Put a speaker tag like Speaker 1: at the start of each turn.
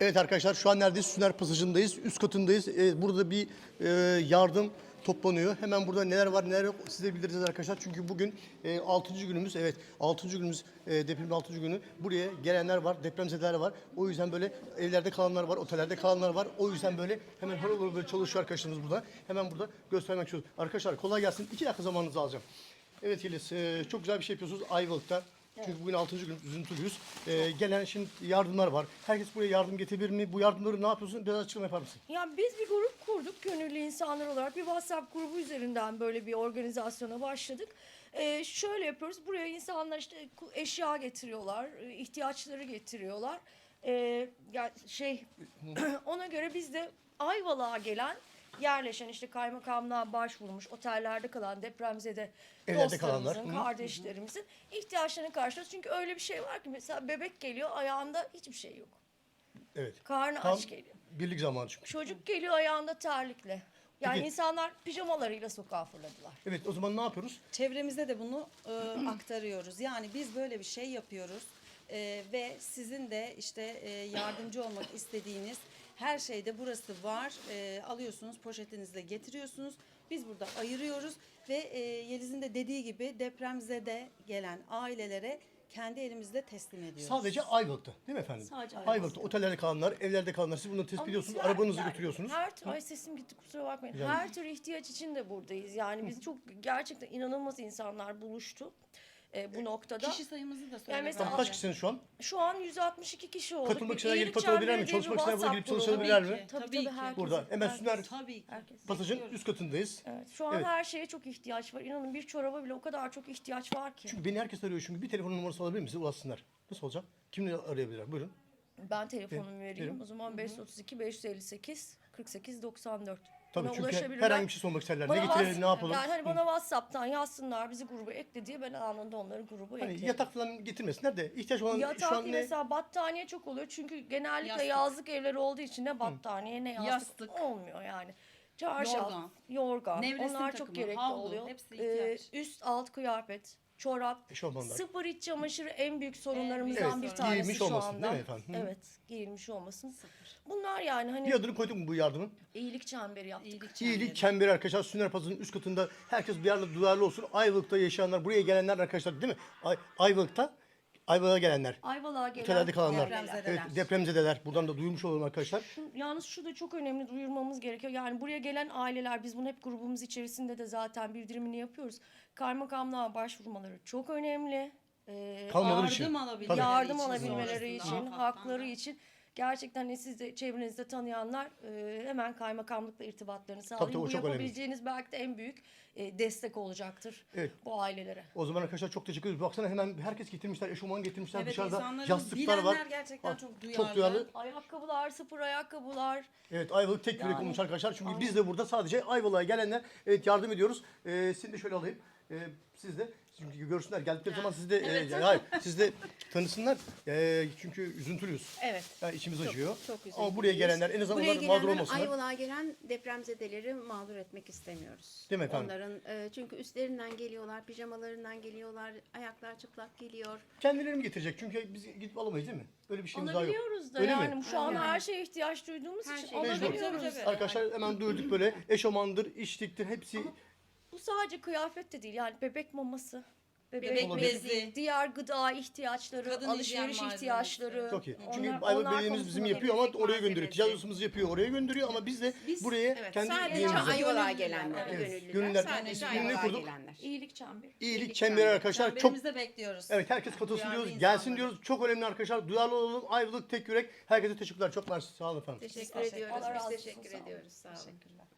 Speaker 1: Evet arkadaşlar şu an neredeyiz? Süner Pasajı'ndayız. Üst katındayız. Burada bir yardım toplanıyor. Hemen burada neler var neler yok siz de bildireceğiz arkadaşlar. Çünkü bugün 6. günümüz. Evet 6. günümüz depremin 6. günü. Buraya gelenler var, depremzedeler var. O yüzden böyle evlerde kalanlar var, otellerde kalanlar var. O yüzden böyle hemen harıl böyle çalışıyor arkadaşlarımız burada. Hemen burada göstermek istiyoruz. Arkadaşlar kolay gelsin. 2 dakika zamanınızı alacağım. Evet Yeliz, çok güzel bir şey yapıyorsunuz Ayvalık'ta. Çünkü bugün 6. gün üzüntülüyüz. Gelen şimdi yardımlar var. Herkes buraya yardım getirebilir mi? Bu yardımları ne yapıyorsun? Biraz açıklama yapar mısın?
Speaker 2: Yani biz bir grup kurduk gönüllü insanlar olarak. Bir WhatsApp grubu üzerinden böyle bir organizasyona başladık. Şöyle yapıyoruz. Buraya insanlar işte eşya getiriyorlar, ihtiyaçları getiriyorlar. Ya ona göre biz de Ayvalık'a gelen yerleşen işte kaymakamlığa başvurmuş otellerde kalan depremzede
Speaker 1: Evlerde kalanlar.
Speaker 2: dostlarımızın, kardeşlerimizin ihtiyaçlarını karşılıyoruz. Çünkü öyle bir şey var ki mesela bebek geliyor ayağında hiçbir şey yok.
Speaker 1: Evet.
Speaker 2: Karnı
Speaker 1: Tam
Speaker 2: aç geliyor.
Speaker 1: birlik zamanı çünkü.
Speaker 2: Çocuk geliyor ayağında terlikle. Yani
Speaker 1: Peki.
Speaker 2: insanlar pijamalarıyla sokağa fırladılar.
Speaker 1: Evet o zaman ne yapıyoruz?
Speaker 3: Çevremizde de bunu aktarıyoruz. Yani biz böyle bir şey yapıyoruz ve sizin de işte yardımcı olmak istediğiniz her şeyde burası var. Alıyorsunuz poşetinizle getiriyorsunuz. Biz burada ayırıyoruz ve Yeliz'in de dediği gibi depremzede gelen ailelere kendi elimizde teslim ediyoruz.
Speaker 1: Sadece Ayvalık'ta değil mi efendim?
Speaker 2: Sadece
Speaker 1: Ayvalık'ta. Otellerde kalanlar, evlerde kalanlar. Siz bunları tespit ediyorsunuz, arabanızı götürüyorsunuz.
Speaker 2: Ay sesim gitti kusura bakmayın.
Speaker 1: Yani-
Speaker 2: Her tür ihtiyaç için de buradayız. Yani biz çok gerçekten inanılmaz insanlar buluştu bu noktada.
Speaker 3: Kişi sayımızı da söyle.
Speaker 2: Yani mesela-
Speaker 1: Tamam, kaç kişisiniz şu an?
Speaker 2: Şu an 162 kişi olduk.
Speaker 1: Katılmak
Speaker 2: Bir
Speaker 1: isteyenler gelip
Speaker 2: iyilik
Speaker 1: katılabilirler mi?
Speaker 2: çemberi diye bir
Speaker 1: Çalışmak isteyenler burada gelip
Speaker 2: WhatsApp grubu.
Speaker 1: çalışabilirler mi?
Speaker 2: Tabii
Speaker 3: Tabii
Speaker 2: tabii
Speaker 3: ki.
Speaker 2: herkes.
Speaker 1: Burada. Hemen Süner
Speaker 3: Tabii ki.
Speaker 2: Herkes.
Speaker 1: Pasajın üst katındayız.
Speaker 2: Evet, şu an
Speaker 1: Evet.
Speaker 2: her şeye çok ihtiyaç var. İnanın bir çoraba bile o kadar çok ihtiyaç var ki.
Speaker 1: Çünkü beni herkes arıyor çünkü bir telefon numarası alabilir misiniz? Ulaşsınlar. Nasıl olacak? Kimle arayabilirler? Buyurun.
Speaker 2: Ben telefonumu vereyim.
Speaker 1: verin.
Speaker 2: O zaman 532 558 48 94.
Speaker 1: Tabii
Speaker 2: Bana
Speaker 1: çünkü
Speaker 2: ulaşabilirler.
Speaker 1: herhangi bir şey sormak isterler.
Speaker 2: Bana
Speaker 1: Ne getirelim,
Speaker 2: Whats-
Speaker 1: ne yapalım?
Speaker 2: Yani hani bana WhatsApp'tan yazsınlar, bizi gruba ekle diye ben anında onları gruba
Speaker 1: Hani
Speaker 2: eklerim.
Speaker 1: yatak falan getirmesinler de ihtiyaç olan şu
Speaker 2: Yatak
Speaker 1: an ne?
Speaker 2: mesela battaniye çok oluyor. Çünkü genellikle
Speaker 3: Yastık.
Speaker 2: yazlık evleri olduğu için ne battaniye ne yastık,
Speaker 3: Yastık.
Speaker 2: olmuyor yani. Çarşaf,
Speaker 3: Yorgan.
Speaker 2: yorgan.
Speaker 3: Nevresim
Speaker 2: Onlar çok
Speaker 3: takımı,
Speaker 2: gerekli
Speaker 3: havlu,
Speaker 2: oluyor.
Speaker 3: hepsi ihtiyaç.
Speaker 2: Üst alt kıyafet, çorap,
Speaker 1: Eşofmanlar.
Speaker 2: sıfır iç çamaşırı en büyük sorunlarımızdan
Speaker 3: Evet,
Speaker 2: bir
Speaker 3: sorun.
Speaker 2: tanesi
Speaker 1: Giyilmiş
Speaker 2: şu
Speaker 1: olmasın,
Speaker 2: anda.
Speaker 1: değil mi efendim? Hı.
Speaker 2: Evet, giyilmiş olmasın. Bunlar yani hani
Speaker 1: Bir adını koyduk mu bu yardımın?
Speaker 2: iyilik çemberi yaptık.
Speaker 1: İyilik çemberi arkadaşlar. Süner Pasajı'nın üst katında herkes bir yerde duyarlı olsun. Ayvalık'ta yaşayanlar, buraya gelenler arkadaşlar değil mi? Ayvalık'a gelenler.
Speaker 2: Ayvalık'a gelen
Speaker 1: Otellerde kalanlar.
Speaker 3: depremzedeler.
Speaker 1: Evet, depremzedeler. Buradan da duymuş olalım arkadaşlar.
Speaker 2: Yalnız şu da çok önemli duyurmamız gerekiyor. Yani buraya gelen aileler biz bunu hep grubumuz içerisinde de zaten bildirimini yapıyoruz. Kaymakamlığa başvurmaları çok önemli.
Speaker 1: Kalmaları için.
Speaker 3: Yardım alabilmeleri
Speaker 1: Tabii.
Speaker 2: Yardım
Speaker 3: için
Speaker 2: alabilmeleri
Speaker 3: sonrasında.
Speaker 2: için, hakları için. Gerçekten hani siz de çevrenizde tanıyanlar hemen kaymakamlıkla irtibatlarını sağlayın.
Speaker 1: tabii, o
Speaker 2: Bu
Speaker 1: çok önemli.
Speaker 2: yapabileceğiniz belki de en büyük destek olacaktır
Speaker 1: Evet.
Speaker 2: bu ailelere.
Speaker 1: O zaman arkadaşlar çok teşekkür ederiz. Baksana hemen herkes getirmişler, eşofman getirmişler.
Speaker 3: Evet,
Speaker 1: Dışarıda
Speaker 3: insanların
Speaker 1: yastıklar var.
Speaker 3: bilenler gerçekten
Speaker 1: Bak,
Speaker 3: çok
Speaker 1: Çok
Speaker 3: duyarlı.
Speaker 1: duyarlı.
Speaker 2: Ayakkabılar, sıfır ayakkabılar.
Speaker 1: Evet Ayvalık tek yürek
Speaker 2: Yani-
Speaker 1: olmuş arkadaşlar. Çünkü biz de burada sadece Ayvalık'a gelenler evet yardım ediyoruz. Sizi de şöyle alayım. Siz de çünkü görsünler geldikleri zaman siz de hayır siz de tanısınlar. Çünkü üzüntülüyüz.
Speaker 4: Evet.
Speaker 1: Yani içimiz acıyor.
Speaker 4: çok
Speaker 1: Ama buraya gelenler en azından
Speaker 4: Buraya
Speaker 1: onlar mağdur
Speaker 4: gelenler,
Speaker 1: olmasınlar.
Speaker 4: Ayvalık'a gelen depremzedeleri mağdur etmek istemiyoruz.
Speaker 1: Değil mi efendim?
Speaker 4: Onların çünkü üstlerinden geliyorlar, pijamalarından geliyorlar, ayaklar çıplak geliyor.
Speaker 1: Kendileri mi getirecek? Çünkü biz gidip alamayız değil mi? Öyle bir şeyimiz daha yok.
Speaker 2: Alabiliyoruz da
Speaker 1: Öyle
Speaker 2: yani
Speaker 1: mi?
Speaker 2: şu an
Speaker 4: Aynen.
Speaker 2: her şeye ihtiyaç duyduğumuz
Speaker 4: Her
Speaker 2: için
Speaker 4: şey-
Speaker 1: Mecbur.
Speaker 2: alabiliyoruz.
Speaker 1: Arkadaşlar hemen duyurduk böyle eşofmandır, içliktir hepsi.
Speaker 2: Bu sadece kıyafet de değil yani bebek maması,
Speaker 3: Bebek
Speaker 1: Olabilir.
Speaker 3: bezi.
Speaker 2: diğer gıda ihtiyaçları,
Speaker 3: Kadın
Speaker 2: alışveriş
Speaker 3: hijyen malzemesi.
Speaker 2: ihtiyaçları.
Speaker 1: Çok iyi. Çünkü
Speaker 2: onlar
Speaker 1: Ayvalık Belediye'miz bizim
Speaker 2: konusunda
Speaker 1: yapıyor ama
Speaker 4: temizlik
Speaker 1: oraya gönderiyor.
Speaker 4: malzemesi.
Speaker 1: Ticaret odasımız yapıyor, oraya gönderiyor ama biz de buraya
Speaker 4: Evet,
Speaker 1: kendi
Speaker 4: sadece
Speaker 1: üyemize.
Speaker 4: Ayvalık'a gelenler,
Speaker 1: Evet,
Speaker 4: gönüllüler.
Speaker 1: gönüllüler.
Speaker 4: Sadece
Speaker 1: İsmini
Speaker 4: Ayvalık'a
Speaker 1: kurduk.
Speaker 4: gelenler.
Speaker 2: iyilik çemberi.
Speaker 1: İyilik çemberi arkadaşlar çok
Speaker 3: Çemberimize bekliyoruz.
Speaker 1: evet herkes katılsın
Speaker 3: Duyarlı
Speaker 1: diyoruz,
Speaker 3: insanları.
Speaker 1: gelsin diyoruz. Çok önemli arkadaşlar. Duyarlı olalım. Ayvalık tek yürek. Herkese teşekkürler. Çok mersi. Sağ olun efendim.
Speaker 4: Teşekkür
Speaker 2: Allah
Speaker 4: ediyoruz.
Speaker 2: razı
Speaker 4: Biz
Speaker 2: olsun,
Speaker 4: teşekkür
Speaker 2: sağ olun.
Speaker 4: ediyoruz. Sağ olun.